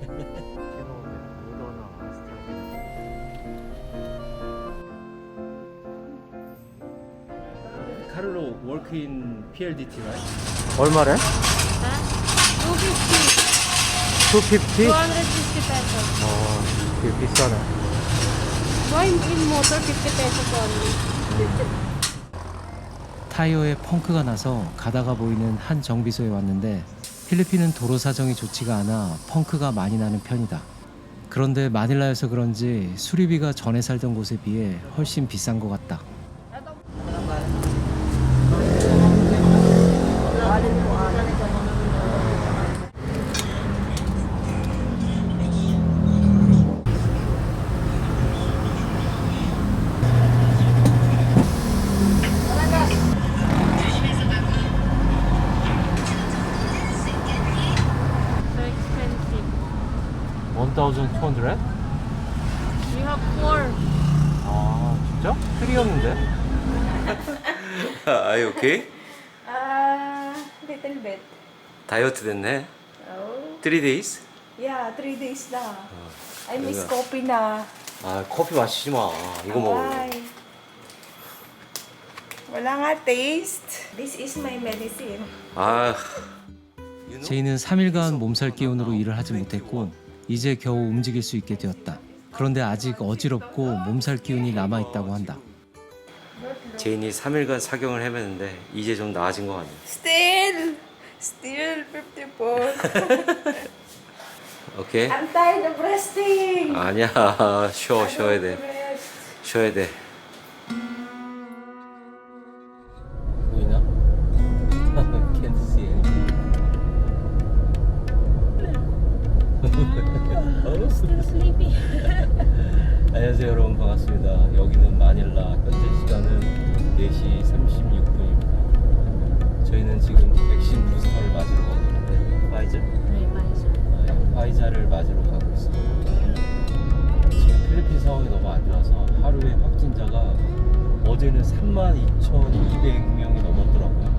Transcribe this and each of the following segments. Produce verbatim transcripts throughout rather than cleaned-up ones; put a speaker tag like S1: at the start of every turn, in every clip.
S1: Carlo work in P L D T, right?
S2: 얼마래?
S3: two fifty.
S2: 투피프티?
S3: two hundred fifty pesos.
S2: 어, 되게 비싸네.
S3: Why in motor fifty pesos only?
S4: 타이어에 펑크가 나서 가다가 보이는 한 정비소에 왔는데 필리핀은 도로 사정이 좋지가 않아 펑크가 많이 나는 편이다. 그런데 마닐라여서 그런지 수리비가 전에 살던 곳에 비해 훨씬 비싼 것 같다.
S3: So expensive.
S2: one thousand two hundred?
S3: We have four.
S2: 아, 진짜? 쓰리였는데?
S1: Are you okay?
S5: Uh, little bit.
S1: 다이어트 됐네.
S5: Oh.
S1: Three days?
S5: Yeah, three days na. I miss
S1: Talaga.
S5: coffee na.
S1: 아 커피 마시지 마. 이거 먹어.
S5: Ay. Wala nga taste. This is my medicine.
S1: 아.
S4: 제이는 삼 일간 몸살 기운으로 일을 하지 못했고 이제 겨우 움직일 수 있게 되었다. 그런데 아직 어지럽고 몸살 기운이 남아있다고 한다.
S1: 제인이 삼 일간 사경을 헤매는데 이제 좀 나아진 것 같네.
S5: Still. Still fifty-four.
S1: 오케이?
S5: I'm tired of resting.
S1: 아니야. 쉬어 쉬어야 돼.
S5: Rest.
S1: 쉬어야 돼.
S2: 보이나? Can't see anything.
S3: Still sleepy.
S2: 안녕하세요 여러분, 반갑습니다. 여기는 마닐라. 현재 시간은 네 시 삼십육 분입니다. 저희는 지금 백신 부스터를 맞으러 가고 있는데 파이저? 네, 파이자를 맞으러 가고 있습니다. 지금 필리핀 상황이 너무 안 좋아서 하루에 확진자가 어제는 삼만 이천이백 명이 넘었더라고요.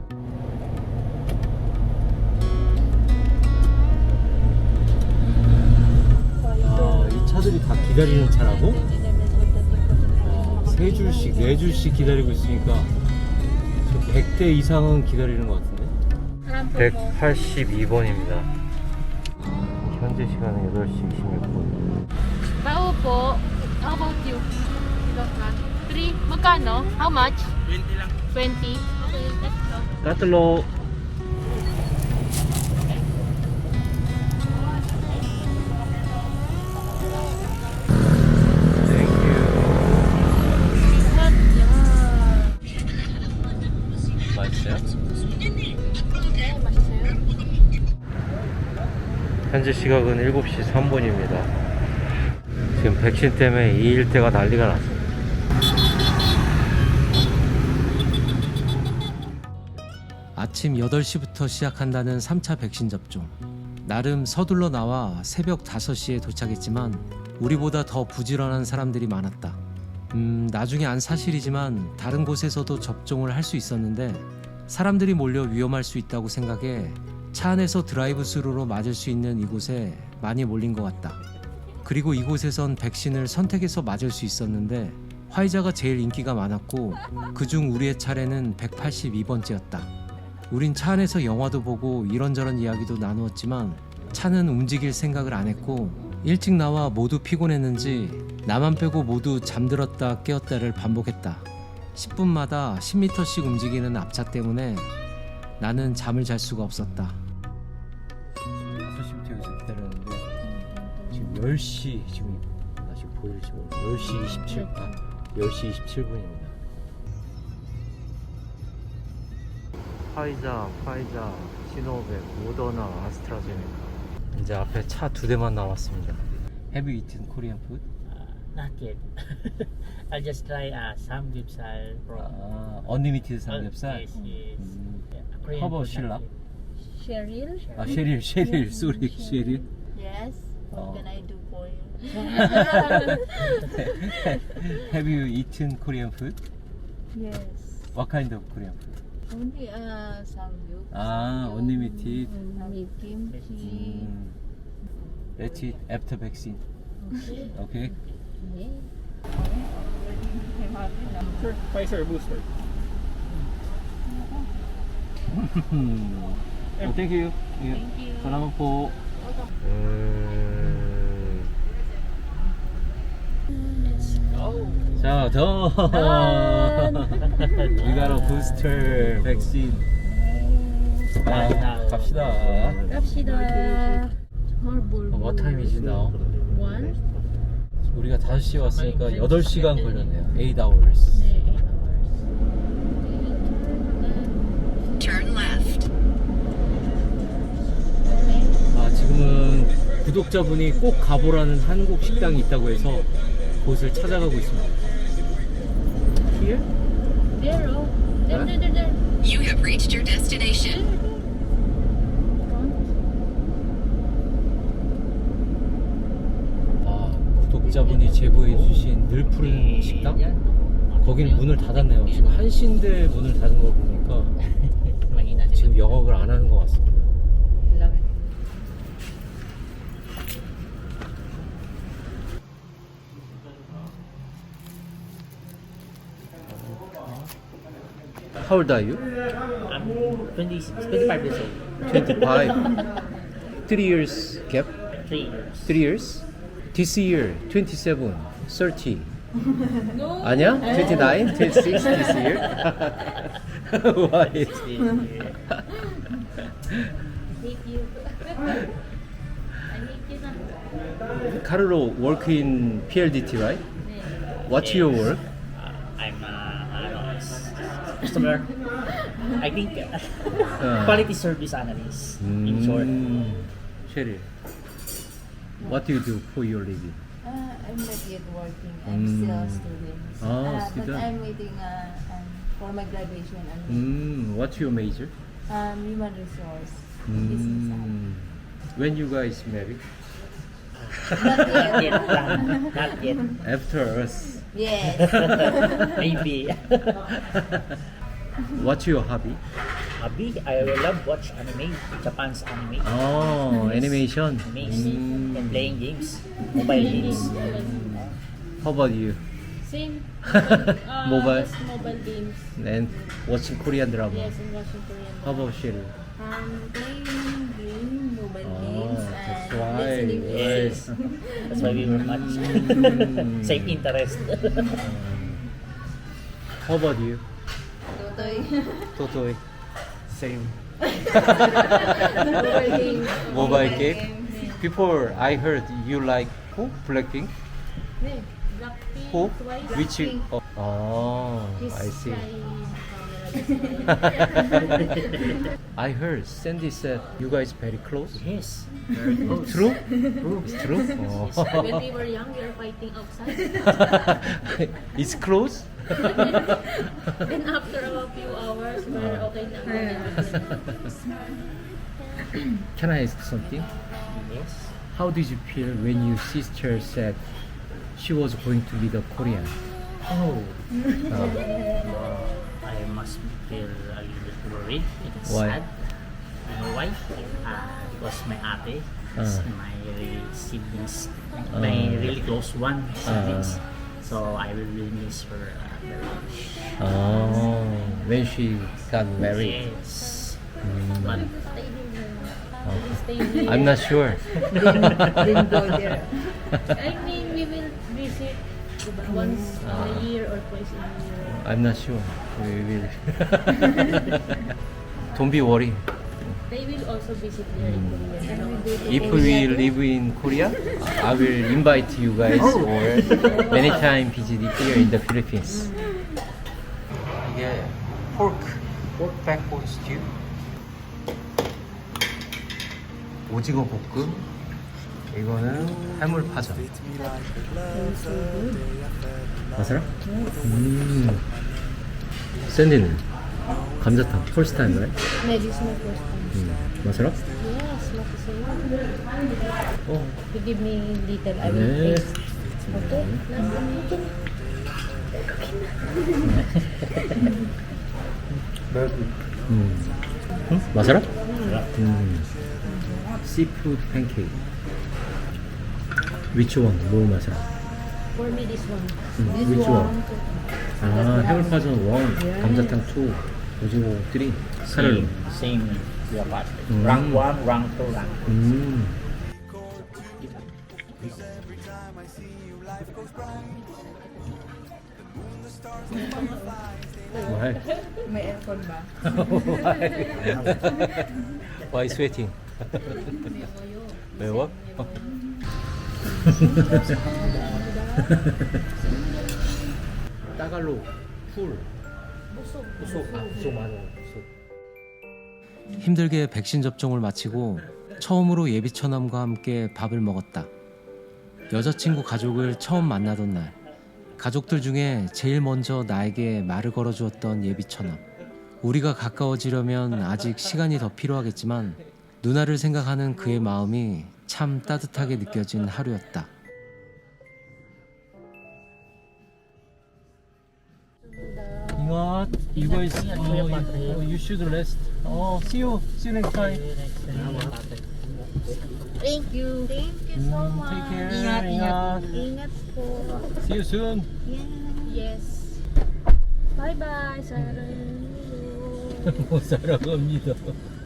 S2: 아, 이 차들이 다 기다리는 차라고? 아, 세 줄씩, 네 줄씩 기다리고 있으니까 백 대 이상은 기다리는 것 같은데? 백팔십이 번입니다. 현재 시간은 여덟 시 이십육 분.
S3: Bao po. How about you? Three. Magkano? How much? twenty lang. twenty? Okay, let's go.
S2: 까틀로.
S3: But, yeah.
S2: 맛있어요?
S3: 네, 맛있어요.
S2: 현재 시각은 일곱 시 삼 분입니다. 지금 백신 때문에 이 일대가 난리가 났어요.
S4: 아침 여덟 시부터 시작한다는 삼 차 백신 접종. 나름 서둘러 나와 새벽 다섯 시에 도착했지만 우리보다 더 부지런한 사람들이 많았다. 음, 나중에 안 사실이지만 다른 곳에서도 접종을 할 수 있었는데 사람들이 몰려 위험할 수 있다고 생각해 차 안에서 드라이브 스루로 맞을 수 있는 이곳에 많이 몰린 것 같다. 그리고 이곳에선 백신을 선택해서 맞을 수 있었는데 화이자가 제일 인기가 많았고 그중 우리의 차례는 백팔십이 번째였다. 우린 차 안에서 영화도 보고 이런저런 이야기도 나누었지만 차는 움직일 생각을 안 했고 일찍 나와 모두 피곤했는지 나만 빼고 모두 잠들었다 깨었다를 반복했다. 십 분마다 십 미터씩 움직이는 앞차 때문에 나는 잠을 잘 수가 없었다.
S2: 다섯 시부터 여기서 기다렸는데 지금 열 시, 지금 나 지금 보일지 모르겠어요. 열 시 이십칠 분. 열 시 이십칠 분입니다. 파이자, 파이자, 시노백, 모더나, 아스트라제네카. 이제 앞에 차 두 대만 남았습니다. Have you eaten Korean food?
S6: Not yet. I'll just try uh, samgyeopsal from.
S2: 아, unlimited 삼겹살?
S6: Uh, yes, yes.
S2: 음.
S6: Yeah, Korean
S2: How about
S6: food,
S2: Sheila?
S6: not yet.
S3: Cheryl?
S2: 아, 쉐릴, 쉐릴, 쏘리, 쉐릴.
S3: Yes.
S2: Oh.
S3: What can I do for you?
S2: Have you eaten Korean food?
S3: Yes.
S2: What kind of Korean food?
S3: Only uh, samgyup.
S2: 아, unlimited.
S3: With kimchi.
S2: 음. Let's eat after vaccine. Okay.
S6: Sir, Pfizer booster.
S2: oh, thank you. Thank you. Salamat po. 자, 더. We got a booster vaccine. 아, 갑시다.
S3: 갑시다. Marble.
S2: What time is it now?
S3: One?
S2: 우리가 다섯 시에 왔으니까 여덟 시간 걸렸네요. eight hours.
S3: 네, eight hours.
S5: Turn left.
S2: 아, 지금은 구독자분이 꼭 가보라는 한국 식당이 있다고 해서 곳을 찾아가고 있습니다. Here?
S3: There, oh. There, there, there, there.
S5: You have reached your destination.
S2: 아, 구독자분이 제보해주신 늘푸른 식당? 거기는 문을 닫았네요. 지금 한 시인데 문을 닫은 거 보니까 지금 영업을 안 하는 것 같습니다. How old are you?
S6: I'm twenty, twenty-five years old.
S2: twenty-five. Three years gap?
S6: Three years.
S2: Three years? This year, twenty-seven, thirty. 아니야? twenty-nine, twenty-six this year? Why?
S3: Thank you. I hate you na.
S2: Carlo work in P L D T, right? What's your work?
S6: Uh, I'm uh, ano, s- customer. I think uh, quality service analyst in short.
S2: Mm. Cheryl, what do you do for your living?
S7: Uh, I'm not yet working. I'm
S2: Mm.
S7: still a student.
S2: Ah,
S7: Uh,
S2: student.
S7: But I'm waiting uh, um, for my graduation. And
S2: Mm. What's your major?
S7: um, human resource. Business.
S2: Mm. When you guys married?
S7: Not
S6: Not
S7: yet.
S6: yet, plan. Not yet.
S2: After us.
S7: Yes.
S6: Maybe.
S2: What's your hobby?
S6: Hobby, I love watch anime, Japan's anime.
S2: Oh, animation.
S6: Amazing. And
S2: Mm.
S6: playing games, mobile games.
S2: How about you?
S3: Same. Uh,
S2: Mobile.
S3: just mobile games.
S2: And watching Korean drama.
S3: Yes, and watching Korean.
S2: How about Cheryl?
S7: um, playing game, mobile
S2: Oh,
S7: games,
S2: that's
S7: and
S2: why.
S7: listening music.
S6: Yes. That's why we were much
S2: Mm.
S6: same interest.
S2: How about you?
S7: Totoy.
S2: Totoy. Same.
S7: Mobile games.
S2: Mobile game. Before I heard you like who? Blackpink?
S3: Yeah, Blackpink,
S2: Who?
S3: Twice.
S2: Which? Oh, oh
S3: He's
S2: I see.
S3: flying camera this way.
S2: I heard Sandy said you guys very close.
S6: Yes. Very close.
S2: True?
S6: True.
S2: It's true? Oh.
S3: When we were young, we were fighting outside.
S2: It's close?
S3: Then after a few hours, we're okay na.
S2: Can I ask something?
S6: Yes.
S2: How did you feel when your sister said she was going to be the Korean?
S6: Oh.
S2: Uh,
S6: I must feel a little bit worried. It's
S2: Why?
S6: sad. You know why? Uh, because my ate is
S2: Ah.
S6: my really siblings,
S2: Ah.
S6: my really close one siblings. So I will really miss her uh, very much.
S2: oh, when she got married.
S6: Yes.
S2: Mm.
S6: But
S3: Stay here.
S2: I'm not sure.
S7: Didn't go there.
S3: I mean, we will visit once
S2: Ah.
S3: a year or twice a year.
S2: I'm not sure. We will. Don't be worried.
S3: They will also visit here in Korea. No?
S2: If we live in Korea, I will invite you guys or many time visit here in the Philippines. 이게 pork, pork backbone stew, 오징어 볶음, 이거는 해물파전. 맞아요? 음. 샌디는 감자탕 first time, right?
S3: Yeah, this is my first time.
S2: 음. 맞아요?
S3: Yes, like the same.
S2: 어.
S3: You give me little, I will
S2: 네.
S3: taste. Okay? Last one, okay na.
S2: 음. 응? 맞아라? 음. Seafood pancake. Which one? 뭐 마셔?
S7: For me, this one.
S2: 음, which one? 아, 해물파전 원, 감자탕 투, 오징어 쓰리, 카렐로.
S6: Same, same your part.
S2: Mm.
S6: Rank one, rank two, rank
S2: 음. Why?
S5: May aircon ba?
S2: Why sweating? 매워? 따갈로 풀. 부속. 아, 부속 맞아. 부속.
S4: 힘들게 백신 접종을 마치고 처음으로 예비처남과 함께 밥을 먹었다. 여자친구 가족을 처음 만나던 날, 가족들 중에 제일 먼저 나에게 말을 걸어주었던 예비처남. 우리가 가까워지려면 아직 시간이 더 필요하겠지만 누나를 생각하는 그의 마음이 참 따뜻하게 느껴진 하루였다.
S2: What? You guys, oh, you, oh, you should rest. Oh, see you. See you next time.
S7: Thank you. Thank you so
S2: Mm,
S7: much.
S2: take care.
S7: Ingat, ingat.
S2: Ingat.
S7: Ingat po.
S2: See you soon.
S7: Yes.
S3: Bye-bye, Sarah.
S2: 못 살아갑니다.